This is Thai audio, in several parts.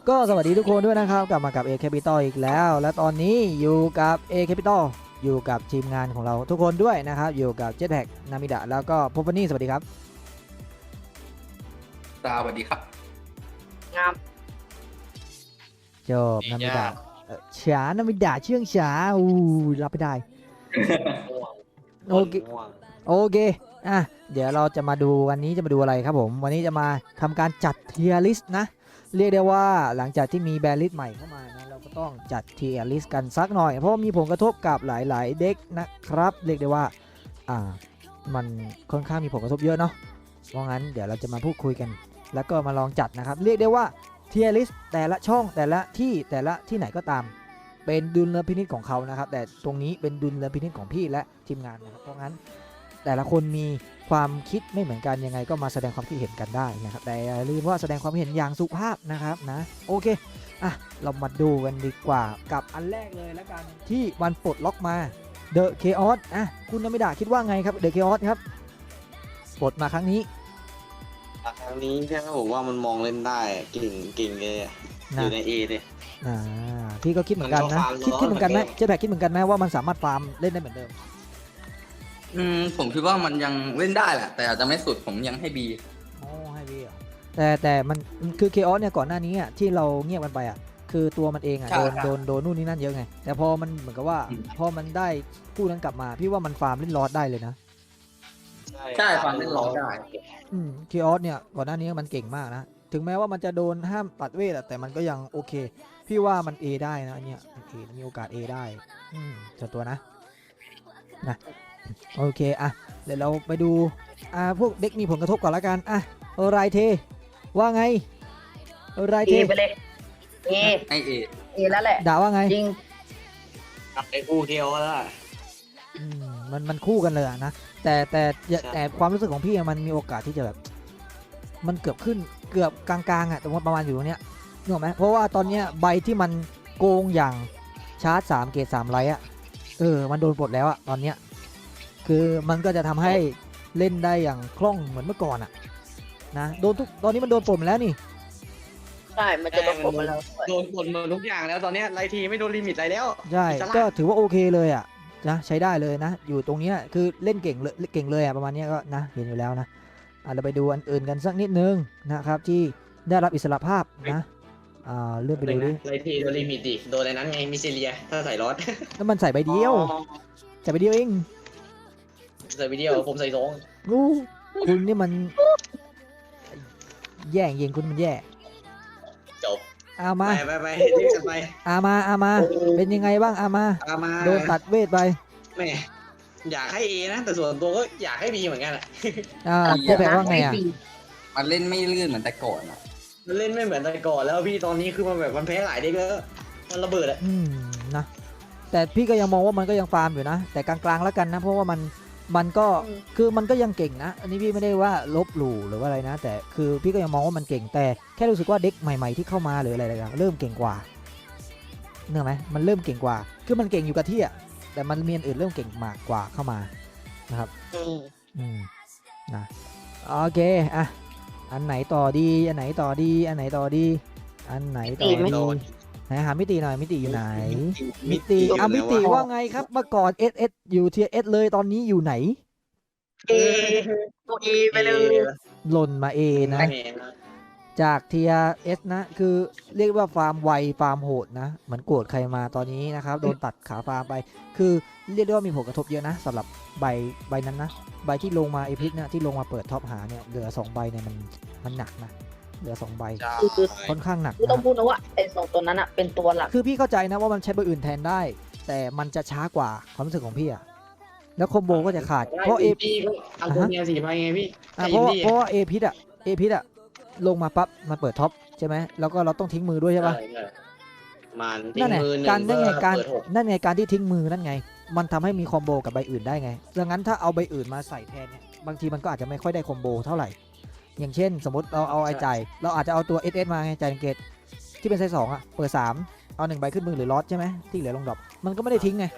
ก็สวัสดีทุกคนด้วยนะครับกลับมากับ A Capital อีกแล้ว และตอนนี้อยู่กับ A Capital อยู่กับทีมงานของเราทุกคนด้วยนะครับอยู่กับ Jetpack นามิดะแล้วก็พบวันนี้สวัสดีครับสวัสดีครับงามจบนามิดะฉานามิดะเชื่องฉารับไม่ได้ โอเคโอเคอ่ะเดี๋ยวเราจะมาดูวันนี้จะมาดูอะไรครับผมวันนี้จะมาทำการจัดเทียร์ลิสต์นะเรียกได้ว่าหลังจากที่มีแบรนด์ลิสต์ใหม่เข้ามานะเราก็ต้องจัดเทียร์ลิสต์กันสักหน่อยเพราะมีผลกระทบกับหลายๆเด็กนะครับเรียกได้ว่ามันค่อนข้างมีผลกระทบเยอะเนาะเพราะงั้นเดี๋ยวเราจะมาพูดคุยกันแล้วก็มาลองจัดนะครับเรียกได้ว่าเทียร์ลิสต์แต่ละช่องแต่ละที่ไหนก็ตามเป็นดุลพินิจของเขานะครับแต่ตรงนี้เป็นดุลพินิจของพี่และทีมงานนะครับเพราะงั้นแต่ละคนมีความคิดไม่เหมือนกันยังไงก็มาแสดงความคิดเห็นกันได้นะครับแต่อย่าลืมว่าแสดงความเห็นอย่างสุภาพนะครับนะโอเคอ่ะเรามาดูกันดีกว่ากับอันแรกเลยแล้วกันที่วันปลดล็อกมา The Chaos อ่ะคุณนมิดาคิดว่าไงครับ The Chaos ครับปลดมาครั้งนี้ใช่ไหมผมว่ามันมองเล่นได้เก่งเลยอยู่ในเอเลยพี่ก็คิดเหมือนกันนะคิดเหมือนกันไหมเจ๊แบกคิดเหมือนกันไหมว่ามันสามารถฟาร์มเล่นได้เหมือนเดิมผมคิดว่ามันยังเล่นได้แหละแต่อาจจะไม่สุดผมยังให้บีโอ้ให้บีอ่ะแต่มันคือเคออสเนี่ยก่อนหน้านี้อ่ะที่เราเงียบกันไปอ่ะคือตัวมันเองอ่ะโดนนู่นนี่นั่นเยอะไงแต่พอมันเหมือนกับว่าพอมันได้คู่นั้นกลับมาพี่ว่ามันฟาร์มเล่นลอดได้เลยนะใช่ฟาร์มเล่นลอดได้เคออสเนี่ยก่อนหน้านี้มันเก่งมากนะถึงแม้ว่ามันจะโดนห้ามตัดเวทแต่มันก็ยังโอเคพี่ว่ามัน A ได้นะเนี่ยมีโอกาส A ได้ส่วนตัวนะโอเคอ่ะเดี๋ยวเราไปดูพวกเด็กมีผลกระทบก่อนละกันอ่ะไรเทว่าไงไรเทไปเลยเอแล้วแหละด่าว่าไงจริงไอ้คู่เทียวแล้วมันคู่กันเลยนะแต่ความรู้สึกของพี่มันมีโอกาสที่จะแบบมันเกือบกลางๆอ่ะตรงประมาณอยู่ตรงเนี้ยนึกออกไหมเพราะว่าตอนเนี้ยใบที่มันโกงอย่างชาร์จ3เกรด3ไลท์อ่ะมันโดนปลดแล้วอ่ะตอนเนี้ยคือมันก็จะทำให้เล่นได้อย่างคล่องเหมือนเมื่อก่อนอ่ะนะตอนนี้มันโดนปลดแล้วนี่ใช่มันจะโดนปลดมาแล้วโดนปลดหมดทุกอย่างแล้วตอนนี้ไลทีไม่โดนลิมิตอะไรแล้วใช่ก็ถือว่าโอเคเลยอ่ะนะใช้ได้เลยนะอยู่ตรงนี้คือเล่นเก่งเลยอ่ะประมาณนี้ก็นะเห็นอยู่แล้วนะเราไปดูอันอื่นกันสักนิดนึงนะครับที่ได้รับอิสรภาพนะเลื่อนไปดูดิไลทีโดนลิมิตดิโดนอะไรนั้นไงมิเซเลียถ้าใส่รอดแล้วมันใส่ใบเดียวใส่ใบเดียวเองใส่ใบเดียวผมใส่2 คุณนี่มันแย่ยิงคุณมันแย่จบมาไปรีบกันไปมาเป็นยังไงบ้างมาโดนตัดเวทไปแม่อยากให้เอนะแต่ส่วนตัวก็อยากให้บีเหมือนกันจะแปลว่าไงมันเล่นไม่ลื่นเหมือนแต่ก่อนมันเล่นไม่เหมือนแต่ก่อนแล้วพี่ตอนนี้คือมันแบบมันแพ้หลายเด็กแล้วมันระเบิดนะแต่พี่ก็ยังมองว่ามันก็ยังฟาร์มอยู่นะแต่กลางๆแล้วกันนะเพราะว่ามันก็คือมันก็ยังเก่งนะอันนี้พี่ไม่ได้ว่าลบหลู่หรือว่าอะไรนะแต่คือพี่ก็ยังมองว่ามันเก่งแต่แค่รู้สึกว่าเด็กใหม่ๆที่เข้ามาหรืออะไรๆเริ่มเก่งกว่าเนอะไหมมันเริ่มเก่งกว่าคือมันเก่งอยู่กับที่อ่ะแต่มันมีอันอื่นเริ่มเก่งมากกว่าเข้ามานะครับนะโอเคอันไหนต่อดีอันไหนต่อดีไหนต่อดีไหนหามิติหน่อยมิติอยู่ไหนมิติว่าไงครับเมื่อก่อนเอสอยู่เทียเอสเลยตอนนี้อยู่ไหนตัวเอไปเลยหล่นมาเอนะจากเทียเอสนะคือเรียกว่าฟาร์มไวฟาร์มโหดนะเหมือนโกรธใครมาตอนนี้นะครับโดนตัดขาฟาร์มไปคือเรียกได้ว่ามีผลกระทบเยอะนะสำหรับใบนั้นนะใบที่ลงมาเอพิกนะที่ลงมาเปิดท็อปหาเนี่ยเหลือ2ใบเนี่ยมันหนักนะเหลือ2ใบค่อนข้างหนักต้องพูดนะว่าไอ้2ตัวนั้นอ่ะเป็นตัวหลักคือพี่เข้าใจนะว่ามันใช้ใบอื่นแทนได้แต่มันจะช้ากว่าความรู้สึกของพี่อะแล้วคอมโบก็จะขาดเพราะเอพีอัลโตเนีย4ใบไงพี่เพราะว่าเอพิอะลงมาปั๊บมาเปิดท็อปใช่ไหมแล้วก็เราต้องทิ้งมือด้วยใช่ปะนั่นไงการที่ทิ้งมือนั่นไงมันทำให้มีคอมโบกับใบอื่นได้ไงดังนั้นถ้าเอาใบอื่นมาใส่แทนเนี่ยบางทีมันก็อาจจะไม่ค่อยได้คอมโบเท่าไหร่อย่างเช่นสมมติเราเอาไอ้จ่ายเราอาจจะเอาตัว SS มาไงจ่ายเกตที่เป็นไซส์2อ่ะเปิด3เอา1ใบขึ้นมือหรือลอสใช่ไหมที่เหลือลงดรอปมันก็ไม่ได้ทิ้งไง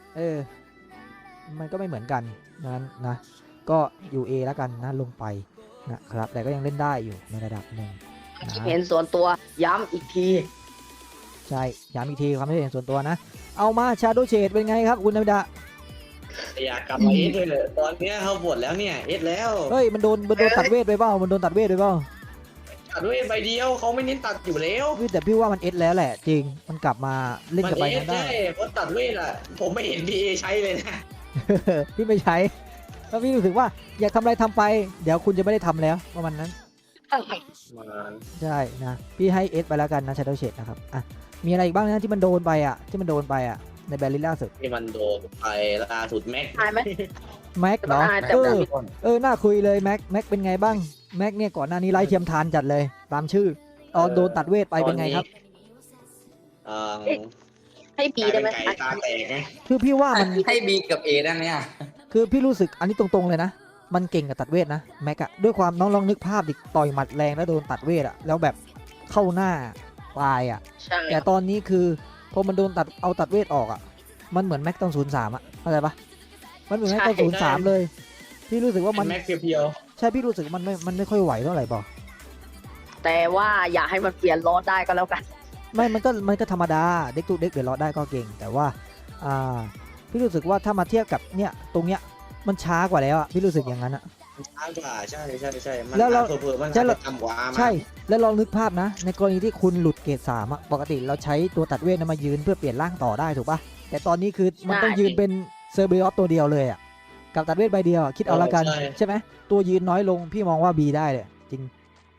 มันก็ไม่เหมือนกันนั้นนะก็อยู่ A แล้วกันนะลงไปนะครับแต่ก็ยังเล่นได้อยู่ในระดับหนึ่งคิดเห็นส่วนตัวย้ำอีกทีใช่ย้ำอีกทีความคิดเห็นส่วนตัวนะ เอามาชาโดเชดเป็นไงครับคุณธรรมดาอยากกลับมาเอสเลยตอนเนี้ยเขาบวชแล้วเนี่ยเอสแล้วเฮ้ยมันโดนตัดเวทไปเปล่ามันโดนตัดเวทไปเปล่าตัดด้วยใบเดียวเขาไม่เน้นตัดอยู่แล้วแต่พี่ว่ามันเอสแล้วแหละจริงมันกลับมาเล่นมันกับใบเอสนั้นได้ใช่เพราะตัดเวทอ่ะผมไม่เห็นพีเอใช้เลยนะพี่ไม่ใช้เพราะพี่รู้สึกว่าอยากทำอะไรทำไป เดี๋ยวคุณจะไม่ได้ทำแล้วประมาณนั้นใช่นะพี่ให้เอสไปแล้วกันนะชาโดเชดนะครับอ่ะมีอะไรอีกบ้างนะที่มันโดนไปอ่ะในแบรลิล่าสุดที่มันโดนไปล่าสุดแม็กอายไหมแม็กเหรออายแต่เอแบบอน่าคุยเลยแม็กเป็นไงบ้างแม็กเนี่ยก่อนหน้านี้ไล่เทียมทานจัดเลยตามชื่อโดนตัดเวทไปเป็นไงครับเอ่อให้บีได้ไหมกลายเป็นไก่ตาแตกไงคือพี่ว่ามันให้บีกับเอได้ไหมอ่ะคือพี่รู้สึกอันนี้ตรงๆเลยนะมันเก่งกับตัดเวทนะแม็กอะด้วยความน้องลองนึกภาพดิต่อยหมัดแรงแล้วโดนตัดเวทอะแล้วแบบเข้าหน้าตายอะใช่แต่ตอนนี้คือพอมันโดนตัดเวทออกอะมันเหมือนแม็กตอน03อะเข้าใจปะมันเหมือนแม็กตอน03เลยพี่รู้สึกว่ามันแม็กเพียวใช่พี่รู้สึกมันไม่ค่อยไหวเท่าไหร่ป่ะแต่ว่าอย่าให้มันเปลี่ยนล้อได้ก็แล้วกันไม่มันก็ธรรมดาเด็กตุเด็กเดือดร้อนได้ก็เก่ง แต่ว่าพี่รู้สึกว่าถ้ามาเทียบกับเนี่ยตรงเนี้ยมันช้ากว่าแล้วอะพี่รู้สึกอย่างนั้นอะๆช้ากว่าใช่มันแล้วเราเผื่อๆมันใช่อาจจะต่ำกว่ามาใช่แล้วลองนึกภาพนะ ในกรณีที่คุณหลุดเกรด3อะปกติเราใช้ตัวตัดเวทนั้นมายืนเพื่อเปลี่ยนร่างต่อได้ถูกปะแต่ตอนนี้คือมันต้องยืนเป็นเซอร์เบริออสตัวเดียวเลยอะกับตัดเวทใบเดียวอะคิดเอาละกันใช่ไหมตัวยืนน้อยลงพี่มองว่า B ได้เลยจริง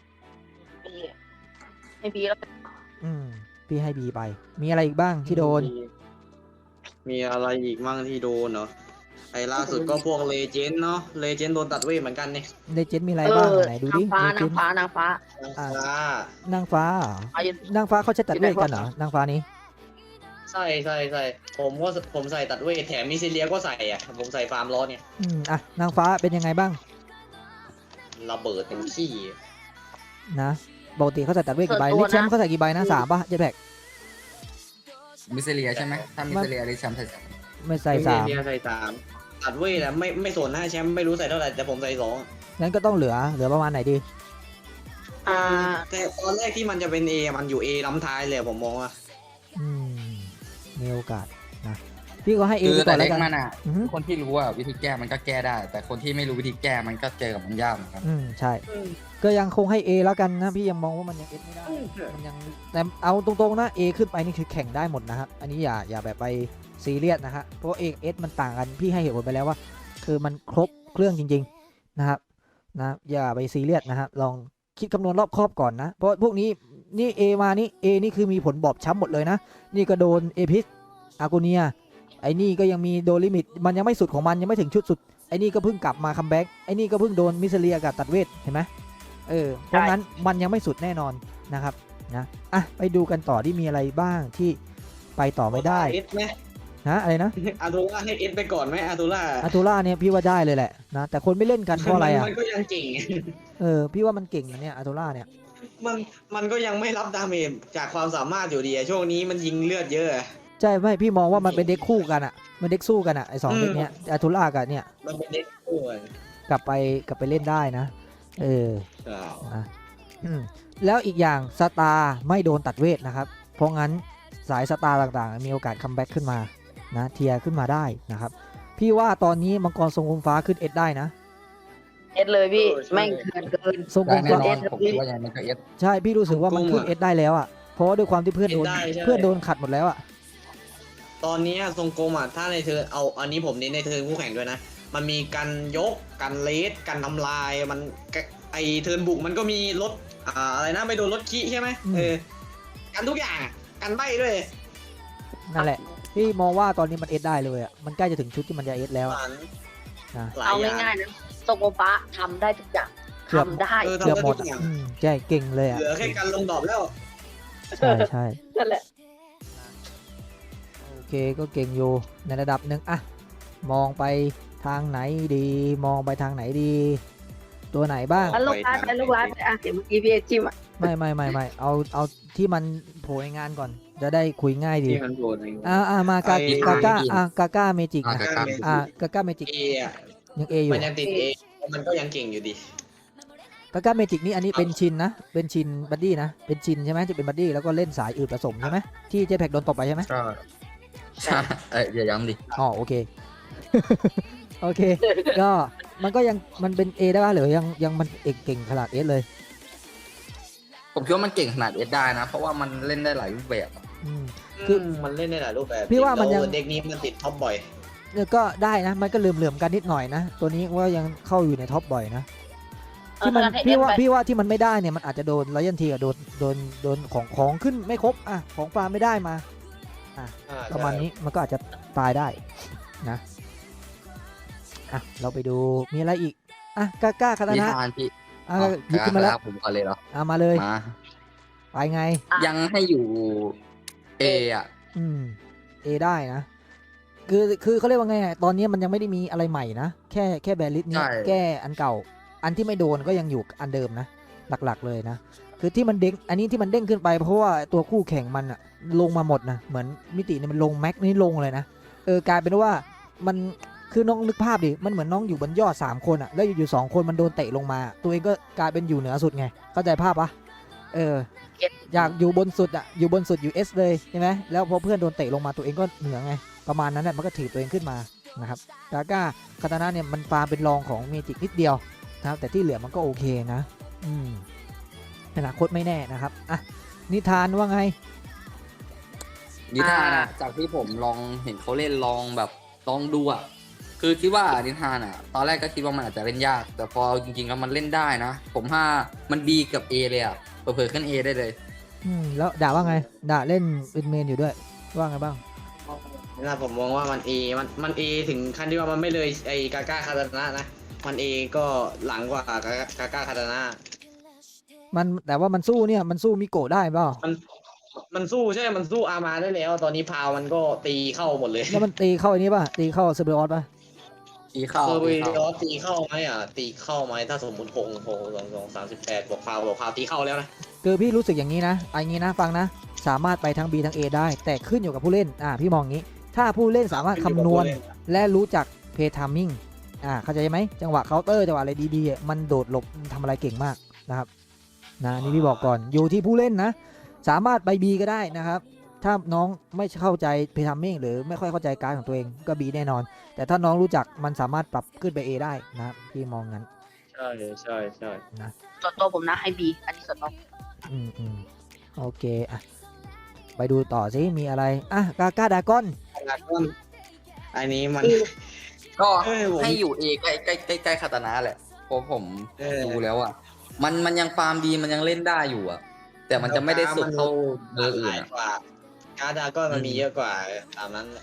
ให้บีแล้วพี่ให้ B ไป มีอะไรอีกบ้างที่โดนมีอะไรอีกมั่งที่โดนเนาะไอ้ล่าสุดก็พวกเลเจนด์เนาะเลเจนด์โดนตัดเวทเหมือนกันเนี่ยในเจนมีอะไรบ้างไหนดูดินางฟ้า Legend นางฟ้าอ่านางฟ้าเหรอเอาอยู่นางฟ้าเขาใช้ตัดเวทกันเหรอนางฟ้านี้ใช่ผมใส่ตัดเวทแถมมิซิเลียก็ใส่อ่ะผมใส่ฟาร์มล้อเนี่ยนางฟ้าเป็นยังไงบ้างระเบิดเต็มที่นะปกติเขาใส่ตัดเวทกี่ใบลิชแชมป์เขาใส่กี่ใบนะ3ป่ะเจ็ดแพ็กมิสเซเลียใช่ไหมถ้ามิสเซเลียได้แชมป์ใส่ไม่ใส่มิซิเลียใส่สามตัดเวทอะไม่สนนะแชมป์ไม่รู้ใส่เท่าไหร่แต่ผมใส่สอง 3งั้นก็ต้องเหลือประมาณไหนดีแต่ตอนแรกที่มันจะเป็น A มันอยู่ A ล้ำท้ายเลยผมมองว่ามีโอกาสนะพี่ก็ให้เอคือไปก่แต่อนแล้เล็วกกันมันอ่ะอือฮึคนที่รู้ว่าวิธีแก้มันก็แก้ได้ แต่คนที่ไม่รู้วิธีแก้มันก็เจอกับมันยากเหมือนกันใช่ ก็ยังคงให้ A แล้วกันนะพี่ยังมองว่ามันยัง S ไม่ได้มันยังแต่เอาตรงๆนะ A ขึ้นไปนี่คือแข่งได้หมดนะครับอันนี้อย่าแบบไปซีเรียสนะฮะเพราะ A กับ S มันต่างกันพี่ให้เหตุผลไปแล้วว่า คือมันครบเครื่องจริงๆนะครับนะอย่าไปซีเรียสนะฮะลองคิดคำนวณรอบคอบก่อนนะเพราะพวกนี้นี่ A มานี่ A นี่คือมีผลบอบช้ำหมดเลยนะนี่ก็โดนเอพิสอากูเนียไอ้นี่ก็ยังมีโดนลิมิตมันยังไม่สุดของมันยังไม่ถึงชุดสุดไอ้นี่ก็เพิ่งกลับมาคัมแบ็กไอ้นี่ก็เพิ่งโดนมิสเลียกับตัดเวทเห็นไหมเพราะงั้นมันยังไม่สุดแน่นอนนะครับนะไปดูกันต่อที่มีอะไรบ้างที่ไปต่อไม่ได้เอสไหมนะอะไรนะอาตูล่าให้เอสไปก่อนไหมอาตูล่าอาทูล่าเนี่ยพี่ว่าได้เลยแหละนะแต่คนไม่เล่นกันเพราะอะไรอ่ะมันก็ยังเก่งพี่ว่ามันเก่งนะเนี่ยอาทูล่าเนี่ยมันก็ยังไม่รับดาเมจจากความสามารถอยู่ดีอะช่วงนี้มันยิงเลือดเยอะอะใช่ไม่พี่มองว่ามันเป็นเด็กคู่กันอ่ะมันเด็กสู้กันอ่ะไอ2เด็กเนี้ยอาทูล่ากับเนี่ยมันเป็นเด็กคู่อะกลับไปเล่นได้นะใช่นะแล้วอีกอย่างสตาร์ไม่โดนตัดเวทนะครับเพราะงั้นสายสตาร์ต่างๆมีโอกาสคัมแบ็กขึ้นมานะเทียร์ขึ้นมาได้นะครับพี่ว่าตอนนี้มังกรทรงกลมฟ้าขึ้นเอสได้นะเอสเลยพี่แม่งเกินทรงกลได้มแน่ฟ้านอนผมคิดว่ายังไงมันก็เอสใช่พี่รู้สึกว่ามันขึ้นเอสได้แล้วอ่ะเพราะว่าด้วยความที่เพื่อนโดนขัดหมดแล้วอ่ะตอนนี้ทรงกลมอ่ะถ้าในเทิร์นเอาอันนี้ผมเน้นในเทิร์นคู่แข่งด้วยนะมันมีกันยกกันเลสกันทำลายมันไอเทิร์นบุกมันก็มีรถอะไรนะไม่โดนรถขี้ใช่ไหมกันทุกอย่างกันใบด้วยนั่นแหละพี่มองว่าตอนนี้มันเอสได้เลยอ่ะมันใกล้จะถึงชุดที่มันจะเอสแล้วอะเอาง่ายๆนะโซโกปะทำได้ทุกอย่างทำได้เกือบหมดอะใช่เก่งเลยอ่ะเหลือแค่การลงดอกแล้วใช่นั่นแหละโอเคก็เก่งอยู่ในระดับหนึ่งอะมองไปทางไหนดีมองไปทางไหนดี ตัวไหนบ้างแล้วลูกร้านไปเดี๋ยวเมื่อกี้พี่จิมอ่ะไม่เอาที่มันโผล่ในงานก่อนจะได้คุยง่ายดีที่มันโดนมากาก้าเมจิกอ่ะครับกาก้าเมจิกเออะยังเออยู่มันยังติดเอมันก็ยังเก่งอยู่ดีกาก้าเมจิกนี่อันนี้เป็นชินนะเป็นชินบัดดี้นะเป็นชินใช่ไหมที่เป็นบัดดี้แล้วก็เล่นสายอื่นผสมใช่ไหมที่เจแพ็กโดนตบไปใช่ไหมใช่ใช่อย่าย้ำดิอ๋อโอเค โอเค ก็มันก็ยังมันเป็น A ได้ป่ะหรือยังมันเก่งขนาด S เลยผมคิดว่ามันเก่งขนาดเอสได้นะ เพราะว่ามันเล่นได้หลายรูปแบบอะอืมคือมันเล่นได้หลายรูปแบบพี่ว่ามันยังแล้วเด็กนี้มันติดท็อปบ่อยเนี่ยก็ได้นะมันก็เหลื่อมๆกันนิดหน่อยนะตัวนี้ว่ายังเข้าอยู่ในท็อปบ่อยนะที่มันพี่ว่าที่มันไม่ได้เนี่ยมันอาจจะโดนรอยัลทีกับโดนของขึ้นไม่ครบอ่ะของฟาร์มไม่ได้มาประมาณนี้มันก็อาจจะตายได้นะอ่ะเราไปดูมีอะไรอีกอ่ะกล้าคาตานินะทานพี่อ่ะหยิบขึ้นมาแล้วผมก่อนเลยเหรอมาเลยมาไปไงยังให้อยู่เออ่ะเอได้นะคือเขาเรียกว่าไงอะตอนนี้มันยังไม่ได้มีอะไรใหม่นะแค่แบลิสนี้แก้อันเก่าอันที่ไม่โดนก็ยังอยู่อันเดิมนะหลักๆเลยนะคือที่มันเด้งอันนี้ที่มันเด้งขึ้นไปเพราะว่าตัวคู่แข่งมันอะลงมาหมดนะเหมือนมิติเนี่ยมันลงแม็กนี่ลงเลยนะกลายเป็นว่ามันคือน้องนึกภาพดิมันเหมือนน้องอยู่บนยอด3คนอะแล้วอยู่2คนมันโดนเตะลงมา ตัวเองก็กลายเป็นอยู่เหนือสุดไงเข้าใจภาพปะอยากอยู่บนสุดอะอยู่บนสุดอยู่ S เลยใช่ไหมแล้วพอเพื่อนโดนเตะลงมาตัวเองก็เหนือไงประมาณนั้นแหละมันก็ถีบตัวเองขึ้นมานะครับกาก้าคาตานะเนี่ยมันฟาร์มเป็นรองของเมจิกนิดเดียวนะครับแต่ที่เหลือมันก็โอเคนะอนาคตไม่แน่นะครับอ่ะนิทานว่าไงนิทานอะจากที่ผมลองเห็นเขาเล่นลองแบบลองดูอะคือคิดว่านิทานอะตอนแรกก็คิดว่ามันอาจจะเล่นยาก แต่พอจริงๆแล้วมันเล่นได้นะ ผมว่ามันดีกับ A เลยอะเผลอๆขึ้น A ได้เลยแล้วด่าว่าไงด่าเล่นเป็นเมนอยู่ด้วยว่าไงบ้างนะผมมองว่ามันเอมันเอถึงขั้นที่ว่ามันไม่เลยไอ้กาก้าคาตานะนะมันเอก็หลังกว่ากาก้าคาตานะมันแต่ว่ามันสู้เนี่ยมันสู้มิโกะได้เปล่ามันสู้ใช่มันสู้อามาได้แล้ว ตอนนี้พาวมันก็ตีเข้าหมดเลยแล้วมันตีเข้าอันนี้ป่ะตีเข้าเซเบอร์ออสป่ะตีเข้าเออตีวีเข้าดอสตีเข้าไหมอ่ะตีเข้าไหมถ้าสมมติ6 38บวกพาวตีเข้าแล้วนะคือพี่รู้สึกอย่างนี้นะอย่างนี้นะฟังนะสามารถไปทั้ง B ทั้ง A ได้ แต่ขึ้นอยู่กับผู้เล่นพี่มองงี้ ถ้าผู้เล่นสามารถคำนวณและรู้จักเพย์ไทมิ่งเข้าใจไหมจังหวะเคาน์เตอร์จังหวะอะไรดีๆมันโดดหลบทำอะไรเก่งมากนะครับนะนี่พี่บอกก่อนอยู่ที่ผู้เล่นนะสามารถไป B ก็ได้นะครับถ้าน้องไม่เข้าใจเพย์ไทมิ่งหรือไม่ค่อยเข้าใจการของตัวเองก็ B แน่นอน แต่ถ้าน้องรู้จักมันสามารถปรับขึ้นไป A ได้นะครับพี่มองงั้นใช่นะส่วนตัวผมนะให้บีอันนี้ส่วนตัวโอเคไปดูต่อสิมีอะไรกาก้าดากอนอันนี้มันก็ผมให้อยู่ A ใกล้คาตานะแหละเพราะผมดูแล้วอะมันยังฟาร์มดีมันยังเล่นได้อยู่อะแต่มันจะไม่ได้สุดเท่าเบอร์อื่นอะกว่าการ์ดาก็มันมีเยอะกว่าตามนั้น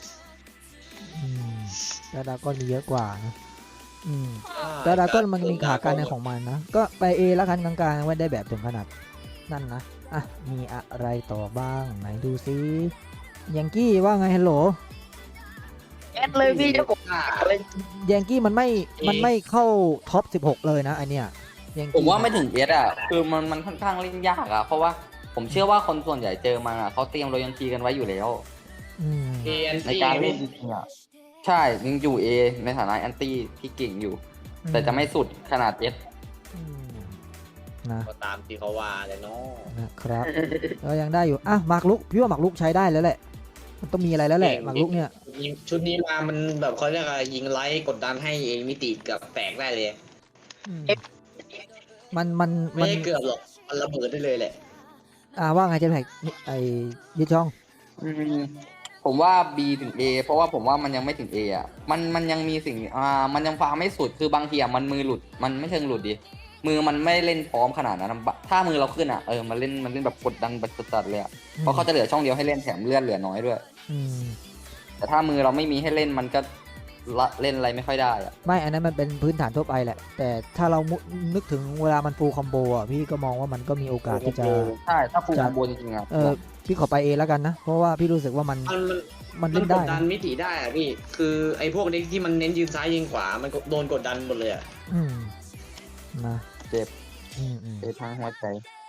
ดากอนมีเยอะกว่านะดากอนมันมีขาการในของมันนะก็ไป A แล้วกันกลางๆไว้ได้แบบถึงขนาดนั่นนะมีอะไรต่อบ้างไหนดูซิยังกี้ว่าไงฮัลโหลแอดเลยพี่เจ้าผมเลยยังกี้มันไม่เข้าท็อป 16 เลยนะไอเนี้ยยังกี้ผมว่าไม่ถึง S อะคือมันค่อนข้างเล่นยากอะเพราะว่าผมเชื่อว่าคนส่วนใหญ่เจอมาเขาเตรียมโรยัลทีกันไว้อยู่แล้ว ในการเล่นจริงๆอ่ะใช่ยังอยู่ A ในฐานะแอนตี้ที่เก่งอยู่ แต่จะไม่สุดขนาด S นะก็ตามที่เขาว่าเลยเนาะนะครับก็ยังได้อยู่หมากรุกพี่ว่าหมากรุกใช้ได้แล้วแหละมันต้องมีอะไรแล้วแหละหมากรุกเนี่ยชุดนี้มามันแบบเขาเรียกอะไรยิงไลท์กดดันให้เองมิติกับแตกได้เลยมันไม่ได้เกือบหรอกมันระเบิดได้เลยแหละว่าไงเจมแพกไอ้ยิช่องผมว่า B ถึง A เพราะว่าผมว่ามันยังไม่ถึง A อ่ะมันยังมีสิ่งมันยังฟาร์มไม่สุดคือบางทีมันมือหลุดมันไม่เชิงหลุดดิมือมันไม่เล่นพร้อมขนาดนั้นถ้ามือเราขึ้นมันเล่นแบบกดดันแบบจัดเลยเพราะเขาจะเหลือช่องเดียวให้เล่นแถมเลือดเหลือน้อยด้วยแต่ถ้ามือเราไม่มีให้เล่นมันก็เล่นอะไรไม่ค่อยได้ไม่อันนั้นมันเป็นพื้นฐานทั่วไปแหละแต่ถ้าเรานึกถึงเวลามันฟูลคอมโบพี่ก็มองว่ามันก็มีโอกาสที่จะใช่ถ้าฟูลคอมโบจริงๆพี่ขอไป A แล้วกันนะเพราะว่าพี่รู้สึกว่ามันเล่นได้กดดันมิติได้พี่คือไอ้พวกเด็กที่มันเน้นยืนซ้ายยืนขวามันโดนกดดันหมดเลยนะเจ็บทางหัวใจ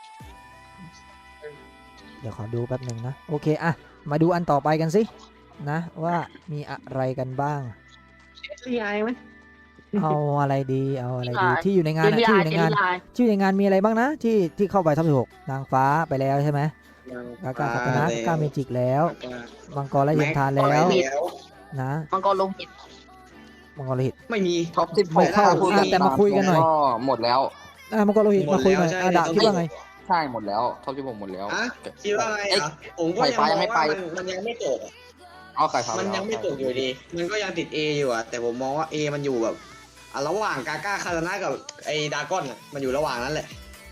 เดี๋ยวขอดูแป๊บหนึ่งนะโอเคมาดูอันต่อไปกันสินะว่ามีอะไรกันบ้างเรียไหมเอาอะไรดีเอาอะไรดีที่อยู่ในงานเจอะลที่ลี่อยู่ในเจลงานลี่ชื่อในงานมีอะไรบ้างนะที่เข้าไปท็อป16นางฟ้าไปแล้วใช่ไหมกาคาตานะกาเมจิกแล้วมังกรและเย็นทานแล้วแล้วนะมังกรลงหินมังกรโลหิตไม่มีท็อปสิบไม่เข้าพูดแต่มาคุยกันหน่อยก็หมดแล้วมังกรโลหิตหมดมาคุยหน่อยแล้วใช่ดาบคิดว่าไงใช่หมดแล้วท็อป16หมดแล้วอ่ะคิดว่าไงอ่ะผมก็ยังมองว่ามันยังไม่จบอะเอาไก่ฟ้ามันยังไม่จบอยู่ดี มันก็ยังติด A อยู่อะแต่ผมมองว่า A มันอยู่แบบระหว่างกาก้าคาตานะกับไอ้ดากอนอะมันอยู่ระหว่างนั้นแหละ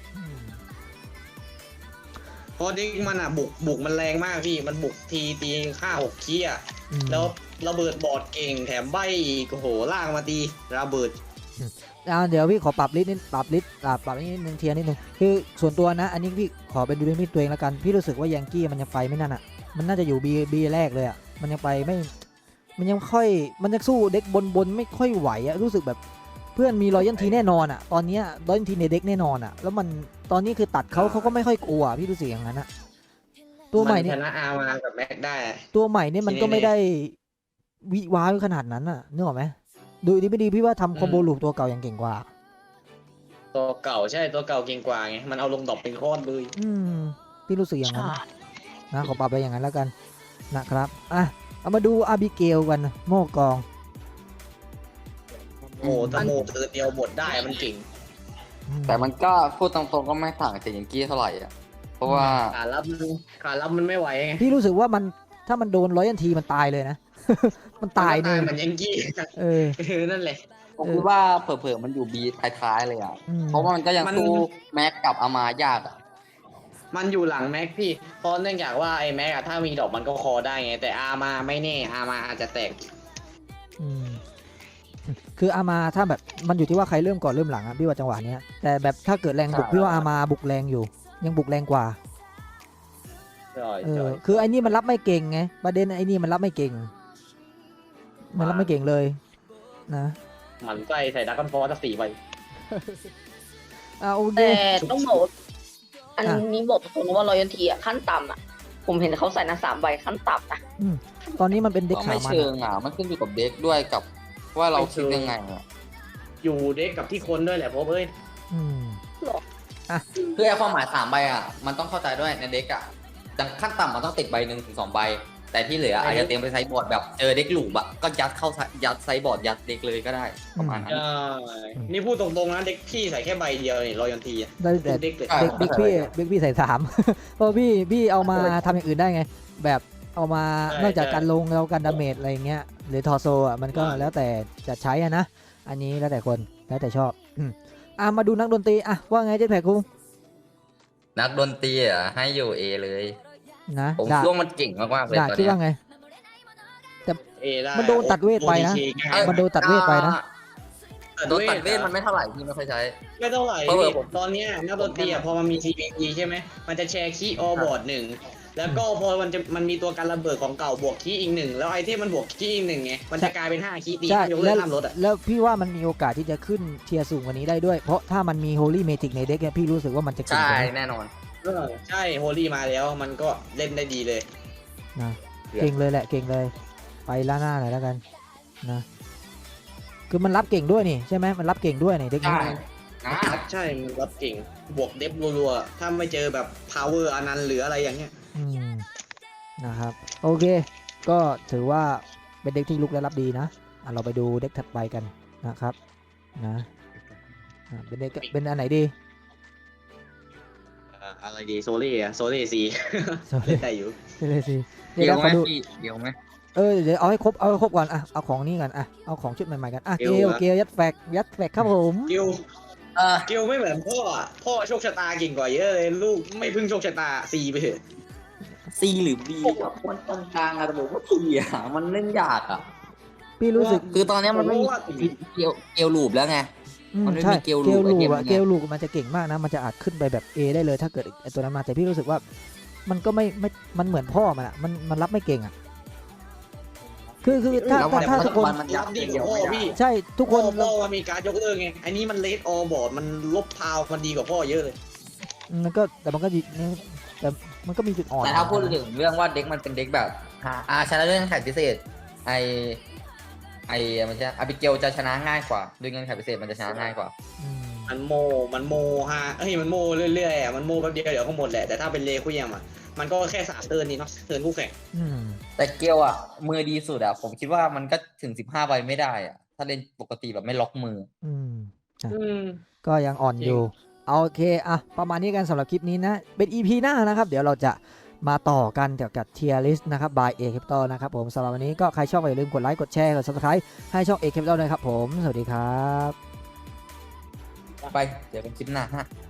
เพราะดิกมันอะบุกมันแรงมากพี่มันบุกทีตี5-6ขี้อะอืมแล้วระเบิดบอร์ดเก่งแถมใบอีกโอ้โหล่างมาตีระเบิดเดี๋ยวพี่ขอปรับลิสต์นิดปรับลิสต์ปรับนิดนึงเทียร์นิดนึงคือส่วนตัวนะ อันนี้พี่ขอเป็นดูด้วยมิตตัวเองแล้วกันพี่รู้สึกว่ายังกี้มันยังไปไม่นั่นอ่ะมันน่าจะอยู่บีแรกเลยอ่ะมันยังไปไม่มันยังมันยังสู้เด็กบนไม่ค่อยไหวอ่ะรู้สึกแบบเพื่อนมีรอยันทีแน่นอนอ่ะตอนเนี้ยรอยันทีในเด็กแน่นอนอ่ะแล้วมันตอนนี้คือตัดเขาก็ไม่ค่อยกลัวพี่รู้สึกอย่างนั้นอ่ะตัวใหม่นนี่ชนะอาร์มากับแม็กได้อะตัวใหม่นี่มันก็ไม่ได้วิว้าวขนาดนั้นอ่ะนึกออกไหมดูดีไม่ดีพี่ว่าทำคอมโบลูปตัวเก่ายังเก่งกว่าตัวเก่าใช่ตัวเก่าเก่งกว่าไงมันเอาลงดอกเป็นโคตรเลยพี่รู้สึกอย่างนั้นใช่นะขอปรับไปอย่างนั้นแล้วกันนะครับอ่ะเอามาดูอาบิเกลกันโม่กองโอ้ตะโมเธอเดียวหมดได้มันเก่งแต่มันก็พูดตรงๆก็ไม่ต่างจากยังกี้เท่าไหร่อ่ะเพราะว่าขารับมันไม่ไหวไงพี่รู้สึกว่ามันถ้ามันโดนร้อยยันทีมันตายเลยนะ มันตายมันเนี่เหมือนยังกี้เออนั่นแหละผมคิดว่าเผลอๆมันอยู่บีท้ายๆเลยอ่ะอืมเพราะว่ามันก็ยังมันสู้แม็กกับอามายากอ่ะมันอยู่หลังแม็กพี่เพราะเนื่องจากว่าไอ้แม็กอะถ้ามีดอกมันก็คอได้ไง แต่อาร์มาไม่แน่อาร์มาอาจจะแตกอืมคืออามาถ้าแบบมันอยู่ที่ว่าใครเริ่มก่อนเริ่มหลังอะพี่ว่าจังหวะเนี้ยแต่แบบถ้าเกิดแรงบุกพี่ว่าอามาบุกแรงอยู่ ยังบุกแรงกว่าคือไอ้นี่มันรับไม่เก่งไงประเด็นไอ้นี่มันรับไม่เก่ง มันรับไม่เก่งเลยนะมันใส่ดักกันฟอร์จะ4 ใบโอเคแต่ต้องบอกว่าอันอ่ะนี้บอกตรงๆว่ารอยันทีอ่ะขั้นต่ำอ่ะ ผมเห็นเขาใส่นะ3 ใบขั้นต่ำนะตอนนี้มันเป็นเด็กก็ขาไม่มันเชิงอ่ะมันขึ้นอยู่กับเด็กด้วยกับว่าเราคิดยังไงอ่ะอยู่เด็กกับที่คนด้วยแหละเพราะเอ้ยอืมคือไอ้ความหมาย3 ใบอ่ะมันต้องเข้าใจด้วยในเด็กอ่ะดังขั้นต่ำมันต้องติดใบ1 ถึง 2 ใบ แต่ที่เหลืออาจจะเตรียมไปไซส์บอร์ดแบบเจอเด็กหลูบอ่ะก็ยัดเข้ายัดไซส์บอร์ดยัดเด็กเลยก็ได้ประมาณนั้นนี่พูดตรงๆนะเด็กพี่ใส่แค่ใบเดียวนี่รอยันทีได้แต่เด็กเลยเด็กพี่ใส่3 เพราะพี่เอามาทำอย่างอื่นได้ไง แบบเอามานอกจากการลงแล้วการดาเมจอะไรเงี้ยหรือทอโซอ่ะมันก็แล้วแต่จะใช้อ่ะนะอันนี้แล้วแต่คนแล้วแต่ชอบมาดูนักดนตรีอ่ะว่าไงเจ๊แพรคุงนักดนตรีอ่ะให้อยู่เอเลยนะผมด่าช่วงมันเก่งมากๆเลยด่าตอนคิดเนี้ยว่าไงได้มันโดนตัดเวทไปนะ มันโดนตัดเวทไปนะโดนตัดเวทมันไม่เท่าไหร่ที่ไม่ค่อยใช้ไม่เท่าไหร่เพราะว่าผมตอนเนี้ยนักดนตรีอะพอมันมี CPE ใช่ไหมมันจะแชร์คีย์ออบอร์ด1แล้วก็พอมันมีตัวการระเบิดของเก่าบวกคีย์อีก1แล้วไอเทมมันบวกคีย์อีก1ไงมันจะกลายเป็น5คีย์ตีใช่ยกแล้เลิวกห้ามลดอ่ะแล้วพี่ว่ามันมีโอกาสที่จะขึ้นเทียร์สูงกว่านี้ได้ด้วย เพราะถ้ามันมี Holy Magic ในเด็กเนี่ยพี่รู้สึกว่ามันจะเก่งใช่กว่านี้แน่นอนใช่โฮลี่มาแล้วมันก็เล่นได้ดีเลยนะเก่งเลยแหละเก่งเลย ไปล่าหน้าหน่อยแล้วกันนะคือมันรับเก่งด้วยนี่ใช่ไหมมันรับเก่งด้วยนี่เด็กนี้ใช่นะใช่มันรับเก่งบวกเดฟรัวๆถ้าไม่เจอแบบ power อนันต์หรืออะไรอย่างเงี้ยนะครับโอเค ก็ถือว่าเป็นเด็กที่ลุกและรับดีนะเราไปดูเด็กถัดไปกันนะครับนะเป็นเด็กเป็นอันไหนดีอะไรดีโซเล่อะโซเล่ซีโซเล่ได้อยู่เลยสิเดี๋ยวไหขมอดูพี่เดี๋ยวไหมเดี๋ยวเอาให้ครบก่อนอ่ะเอาของนี้กันอ่ะเอาของชุดใหม่ๆกันอ่ะเกลยัดแฟกครับผมกิลกิลไม่เหมือนพ่ออะพ่อโชคชะตาเก่งกว่าเยอะเลยลูกไม่พึ่งโชคชะตาซีไปเถอะซีหรือบีแบบคนตรงกลางอะแต่ผมว่าซีอ่ะมันเล่นยากอ่ะพี่รู้สึกคือตอนเนี้ยมันไม่มีเกลลูปแล้วไง มันไม่มีใช่เกลลูปไอเทมอะไงเกลลูกมันจะเก่งมากนะมันจะอาจขึ้นไปแบบ A ได้เลยถ้าเกิดไอตัวนั้นมาแต่พี่รู้สึกว่ามันก็ไม่มันเหมือนพ่อมันอ่ะมันรับไม่เก่งอ่ะคือถ้าทุกคนมันรับดีกว่าพ่อพี่ใช่ทุกคนพ่อมันมีการยกเลิกไงอันนี้มันเลดออบอร์ดมันลบพาวมันดีกว่าพ่อเยอะเลยมันก็แต่มันก็ดีแต่มันก็มีจุดอ่อนแต่ถ้าพูดถึงเรื่องว่าเด็กมันเป็นเด็กแบบชนะเรื่องแข่งพิเศษไอมันจะอาบิเกลจะชนะง่ายกว่าด้วยเงื่อนไขพิเศษมันจะชนะง่ายกว่าอืมมันโมฮะมันโมเรื่อยๆอ่ะมันโมแป๊บเดียวเดี๋ยวก็หมดแหละแต่ถ้าเป็นเลคุยมอ่ะมันก็แค่3 เทิร์นนี่เนาะเทิร์นคู่แข่งอืมแต่เกลอ่ะมือดีสุดอ่ะผมคิดว่ามันก็ถึง15 ใบไม่ได้อ่ะถ้าเล่นปกติแบบไม่ล็อกมืออืมอืมก็ยังอ่อนจริงอยู่เอาโอเคอ่ะประมาณนี้กันสำหรับคลิปนี้นะเป็น EP หน้านะครับเดี๋ยวเราจะมาต่อกันเกี่ยวกับ Tier List นะครับ by A Capital นะครับผมสำหรับวันนี้ก็ใครชอบก็อย่าลืมกดไลค์กดแชร์กด Subscribe ให้ช่อง A Capital ด้วยครับผมสวัสดีครับไปเดี๋ยวเป็นคลิปหน้าฮะ